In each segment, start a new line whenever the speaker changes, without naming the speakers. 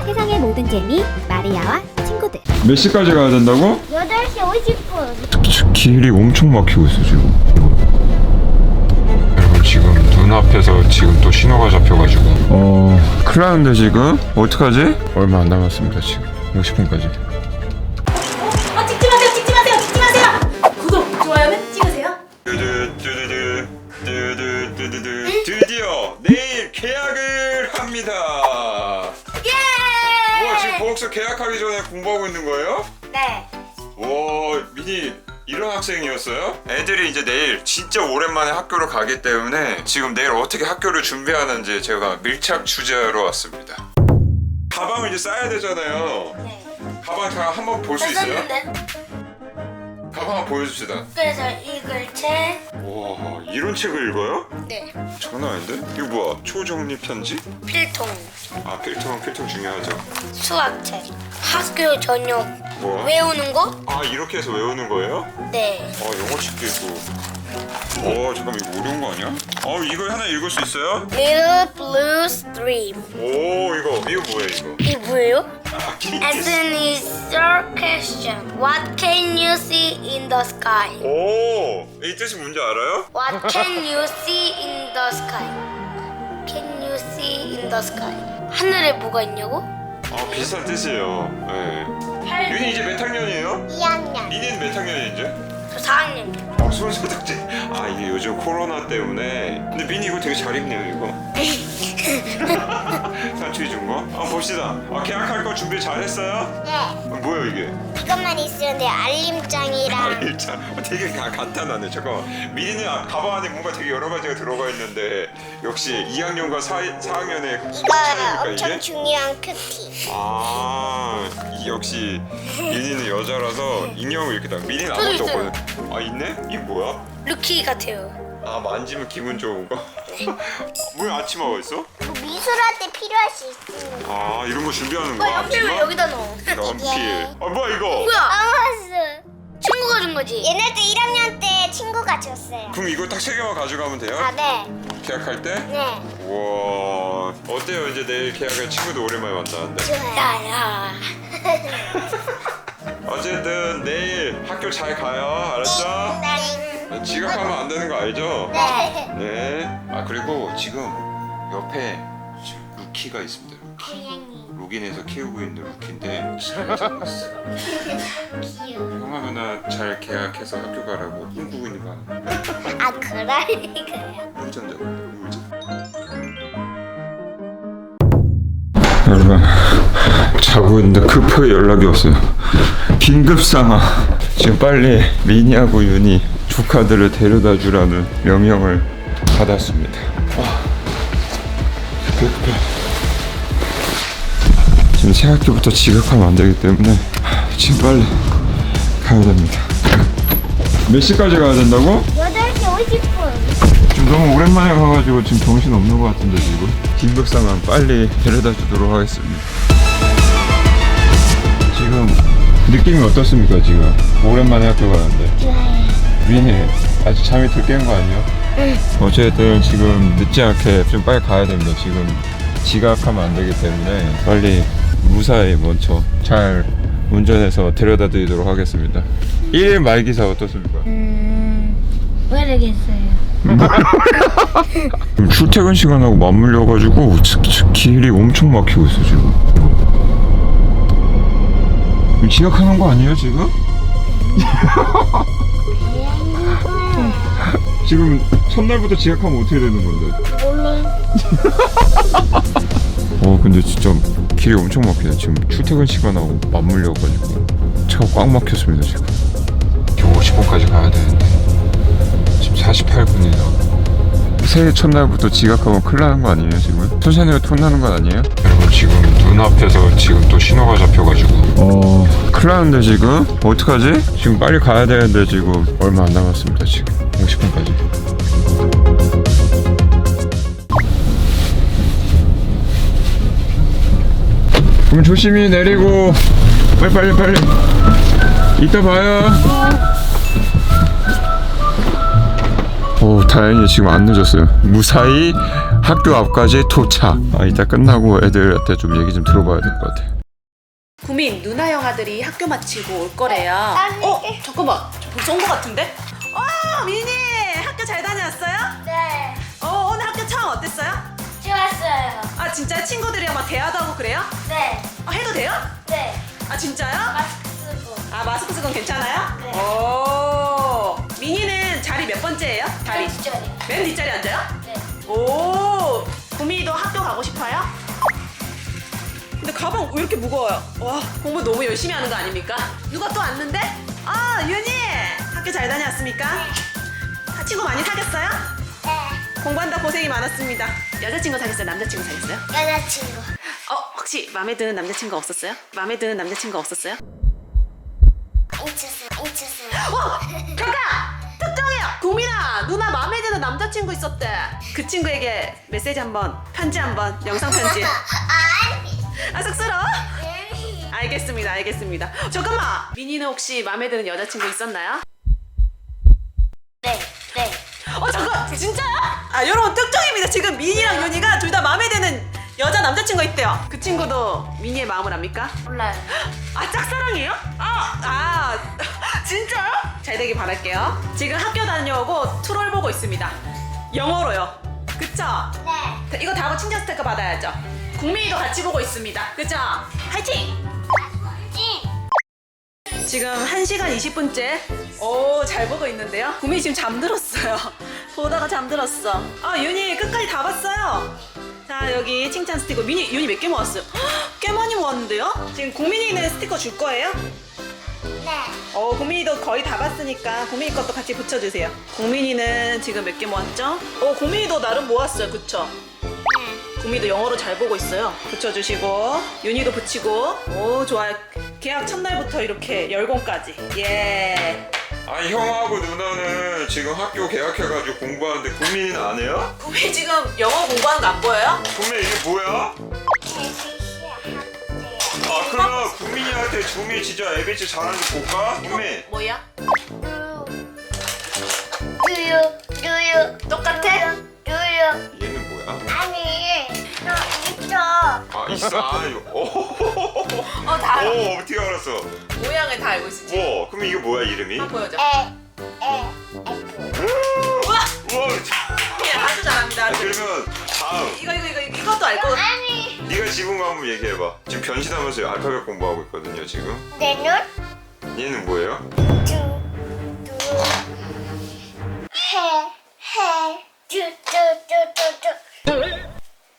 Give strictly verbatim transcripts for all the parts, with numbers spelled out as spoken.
세상의 모든 재미 마리아와 친구들.
몇 시까지 가야 된다고?
여덟 시 오십 분.
길이 엄청 막히고 있어 지금. 여러분 지금 눈앞에서 지금 또 신호가 잡혀가지고 어... 큰일 나는데 지금? 어떡하지? 얼마 안 남았습니다 지금. 오십 분까지.
아, 찍지 마세요, 찍지 마세요, 찍지 마세요. 구독, 좋아요는 찍으세요.
뚜두뚜두두, 뚜두뚜두두. 드디어 내일 계약을 합니다.
예!
뭐 지금 보험서 계약하기 전에 공부하고 있는 거예요?
네.
와, 미니 이런 학생이었어요? 애들이 이제 내일 진짜 오랜만에 학교를 가기 때문에 지금 내일 어떻게 학교를 준비하는지 제가 밀착 취재하러 왔습니다. 가방을 이제 싸야 되잖아요.
네.
가방 다 한번 볼 수 있어요? 가방 한번 보여줍시다.
그래서 읽을 책.
와, 이런 책을 읽어요?
네.
장난 아닌데? 이거 뭐야? 초정리 편지?
필통.
아, 필통, 필통 중요하죠.
수학책. 학교 저녁.
뭐?
외우는 거?
아, 이렇게 해서 외우는 거예요?
네.
어, 영어책도 있고. 어, 잠깐만, 이거 어려운 거 아니야? 어, 이거 하나 읽을 수 있어요?
Little Blue Stream.
오, 이거, 이거 뭐예요, 이거?
이게 뭐예요?
아,
As an is your question. What can you see in the sky?
오, 이 뜻이 뭔지 알아요?
What can you see in the sky? Can you see in the sky? 하늘에 뭐가 있냐고?
아, 비슷한 뜻이에요. 네. 윤이 이제 몇 학년이에요?
이 학년.
민이는 몇 학년이 이제?
저 사 학년이요.
아, 손소독제. 아, 이게 요즘 코로나 때문에. 근데 민이 이거 되게 잘 입네요, 이거. 산추이 준 거? 한번 봅시다. 아, 계약할 거 준비 잘 했어요?
네,
아, 뭐야 이게?
그것만 있으면 돼. 알림장이랑
알림장. 어, 되게 가, 간단하네. 잠깐만. 민이는 아, 가방 안에 뭔가 되게 여러 가지가 들어가 있는데 역시 이 학년과 사, 사 학년의
이거
차이니까
엄청
이게?
중요한 큐티.
아, 이, 역시 민이는 여자라서 인형을 이렇게 다. 민이는 아무것도
있어요.
없거든. 아, 있네? 이게 뭐야?
루키 같아요.
아, 만지면 기분 좋은 거? 뭐야, 아침하고 있어?
뭐 미술할 때 필요할 수 있습니다.
아, 이런 거 준비하는 거야?
연필을
앞치마?
여기다 넣어.
연필. 아, 뭐야 이거?
뭐야?
아마스.
친구가 준 거지?
옛날 때 일 학년 때 친구가 줬어요.
그럼 이거 딱 세 개만 가져가면 돼요?
아, 네.
계약할 때?
네.
우와, 어때요? 이제 내일 계약할 친구도 오랜만에 만나는데.
좋아요.
야야.
어쨌든 내일 학교 잘 가요. 알았죠?
네.
지각하면 안 되는 거 알죠?
네.
네. 아, 그리고 지금 옆에 지금 루키가 있습니다. 루키.
고양이.
로긴해서 키우고 있는 루키인데 잘 잡았어.
귀여워.
형아 누나 잘 계약해서 학교 가라고 꿈꾸고 있는 거 아니야?
아, 그러니까요.
물전 잡아. 물전. 여러분, 자고 있는데 급하게 연락이 왔어요. 긴급 상황. 지금 빨리 미니하고 윤이 조카들을 데려다 주라는 명령을 받았습니다. 아, 급해 급해. 지금 새 학기부터 지각하면 안 되기 때문에 지금 빨리 가야 됩니다. 몇 시까지 가야 된다고?
여덟 시 오십 분.
지금 너무 오랜만에 가가지고 지금 정신 없는 것 같은데 지금 긴급 상황 빨리 데려다 주도록 하겠습니다. 지금 느낌이 어떻습니까 지금? 오랜만에 학교 가는데.
좋아요.
민희 아직 잠이 들 깬 거 아니에요?
응.
어쨌든 지금 늦지 않게 좀 빨리 가야 됩니다. 지금 지각하면 안 되기 때문에 빨리 무사히 먼저 잘 운전해서 데려다 드리도록 하겠습니다. 일 일 말기사 어떻습니까?
음, 모르겠어요.
지금 출퇴근 시간하고 맞물려가지고 길이 엄청 막히고 있어 지금. 지각하는 거 아니에요 지금? 지금 첫날부터 지각하면 어떻게 되는 건데?
몰라.
어, 근데 진짜 길이 엄청 막히네. 지금 출퇴근 시간하고 맞물려가지고 차가 꽉 막혔습니다 지금. 겨우 오십 분까지 가야 되는데 지금 사십팔 분이나. 새해 첫날부터 지각하면 큰일 나는 거 아니에요 지금? 선생님이 톤 나는 건 아니에요? 여러분 지금 눈앞에서 지금 또 신호가 잡혀가지고 어... 큰일 나는데 지금? 어떡하지? 지금 빨리 가야 되는데 지금 얼마 안 남았습니다 지금 오십 분까지. 그럼 조심히 내리고 빨리 빨리 빨리 이따 봐요. 오, 다행히 지금 안 늦었어요. 무사히 학교 앞까지 도착. 아, 이따 끝나고 애들한테 좀 얘기 좀 들어봐야 될 것 같아.
구민 누나 형아들이 학교 마치고 올 거래요. 어? 잠깐만 저 벌써 온 거 같은데? 어 미니 학교 잘 다녀왔어요?
네.
어 오늘 학교 처음 어땠어요?
좋았어요.
아 진짜 친구들이랑 막 대화도 하고 그래요?
네.
어, 해도 돼요?
네.
아 진짜요?
마스크 쓰고.
아 마스크 쓰건 괜찮아요?
네.
오 미니는 자리 몇 번째예요? 자리
뒷자리.
맨 뒷자리 앉아요?
네.
오 구미도 학교 가고 싶어요? 근데 가방 왜 이렇게 무거워요? 와 공부 너무 열심히 하는 거 아닙니까? 누가 또 왔는데? 아 윤희 학교 잘 다녀왔습니까? 아, 친구 많이 사귀었어요?
네.
공부한다 고생이 많았습니다. 여자친구 사귀었어요? 남자친구 사귀었어요?
여자친구.
어 혹시 마음에 드는 남자친구 없었어요? 마음에 드는 남자친구 없었어요?
인쳤어요. 인쳤어요.
어! 잠깐! 특정해요! 구민아 누나 마음에 드는 남자친구 있었대. 그 친구에게 메시지 한번 편지 한번 영상 편지.
아니.
아 쑥스러워?
네.
알겠습니다 알겠습니다. 잠깐만 미니는 혹시 마음에 드는 여자친구 있었나요?
네. 네.
어 잠깐 진짜요? 아 여러분 특정입니다. 지금 미니랑 윤희가 둘 다 마음에 드는 여자 남자친구 있대요. 그 친구도 미니의 마음을 압니까?
몰라요.
아 짝사랑이에요? 아, 아 진짜요? 잘 되길 바랄게요. 지금 학교 다녀오고 트롤 보고 있습니다. 영어로요. 그쵸?
네.
이거 다 하고 칭찬 스티커 받아야죠. 국민이도 같이 보고 있습니다. 그쵸? 화이팅!
찡.
지금 한 시간 이십 분째 오 잘 보고 있는데요. 국민이 지금 잠들었어요. 보다가 잠들었어. 아 윤희 끝까지 다 봤어요. 자 여기 칭찬 스티커 미니 윤희 몇 개 모았어요? 헉, 꽤 많이 모았는데요? 지금 국민이는 스티커 줄 거예요?
네.
어 국민이도 거의 다 봤으니까 국민이 것도 같이 붙여주세요. 국민이는 지금 몇 개 모았죠? 어 국민이도 나름 모았어요. 그쵸?
네.
국민이도 영어로 잘 보고 있어요. 붙여주시고 윤희도 붙이고 오 좋아요. 계약 첫날부터 이렇게 열공까지 예.
아니, 형하고 누나는 지금 학교 개학해가지고 공부하는데 구민이는 안 해요?
국민이 지금 영어 공부하는 거 안 보여요?
구민 이게 뭐야? 아, 그러면 구민이한테 구민이 진짜 에이비씨 잘하는지 볼까? 구민.
뭐야?
두유. 두유.
똑같아?
두유.
얘는 뭐야?
아니. 너 있어.
아, 있어. 아, 이거. 오,
어 다 알아.
오, 어떻게 알았어?
모양을 다 알고 있지.
뭐? 그럼 이게 뭐야, 이름이?
한번 보여줘.
에. 에. 애플.
우와
우와,
예, 아주 잘합니다.
아,
아주.
그러면 다음.
이거 이거 이거 이것도 알고.
아니.
네가 지분 거 한번 얘기해봐. 지금 변신하면서 알파벳 공부하고 있거든요, 지금.
내 눈.
얘는 뭐예요?
두. 두. 해. 해. 두. 두. 두. 두. 두.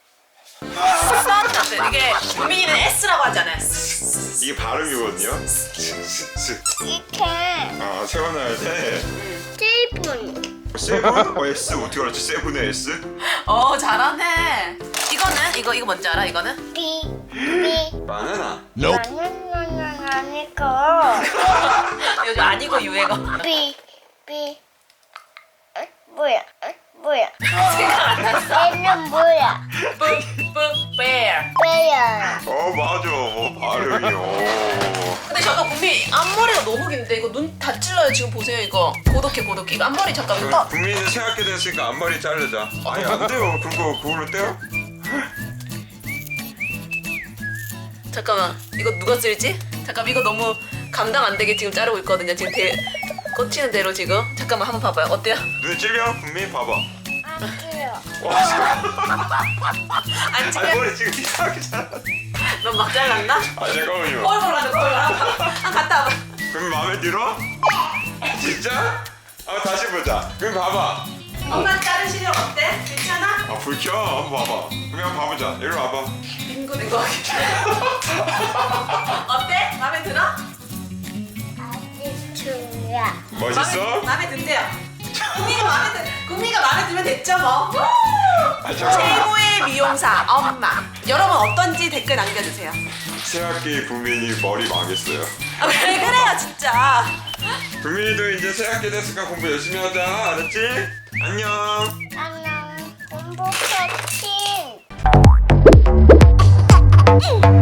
이게 국민이는 S라고 하잖아요.
이게 발음이거든요. 스.
이렇게.
아, 세워놔야 돼.
세븐.
세븐? 어, S 어떻게 알았지? 세븐의 S?
어 잘하네. 이거는 이거 이거 뭔지 알아? 이거는?
비. 비.
바나나.
나는 아니고.
요즘 아니고 유행어.
비. 비. 어? 뭐야? 어? 뭐야?
생각 안 났어.
얘는 뭐야?
뿡뿡 bear.
왜야?
어, 맞아. 어, 발음이요.
근데 잠깐 국민 앞머리가 너무 긴데 이거 눈 다 찔러요. 지금 보세요 이거. 고독해 고독해. 이거 앞머리 잠깐 이거 떠.
국민은 새 학기 됐으니까 앞머리 자르자. 아니, 안 돼요. 그거, 그걸로 떼요?
잠깐만 이거 누가 쓸지? 잠깐 이거 너무 감당 안 되게 지금 자르고 있거든요. 지금 대 꽂히는 대로 지금. 잠깐만 한번 봐봐요. 어때요?
눈에 찔려? 국민 봐봐.
안 돼요.
와, 잠깐.
안
아니,
찍어?
머리 지금 이상하게 잘랐어.
넌 막 잘랐나?
아, 잠깐만요.
거울 보라고 거울 보라. 한 갔다 와봐.
그럼 마음에 들어? 진짜? 아, 다시 보자. 그럼 봐봐.
엄마 자른 시력 어때? 괜찮아?
아, 불 켜. 한번 봐봐. 그럼 한번 봐보자. 이리 와봐.
빙고된 거 어때? 마음에 들어?
아직 좋아.
멋있어?
마음에 든대요. 국미가 마음에 들 국미가 마음에 들면 됐죠 뭐.
아, 잠깐만.
최고의 미용사 엄마. 여러분 어떤지 댓글 남겨주세요.
새 학기 국민이 머리 망했어요.
아, 왜 그래요 진짜.
국민이도 이제 새 학기 됐으니까 공부 열심히 하자. 알았지? 안녕.
안녕. 공부 파이팅.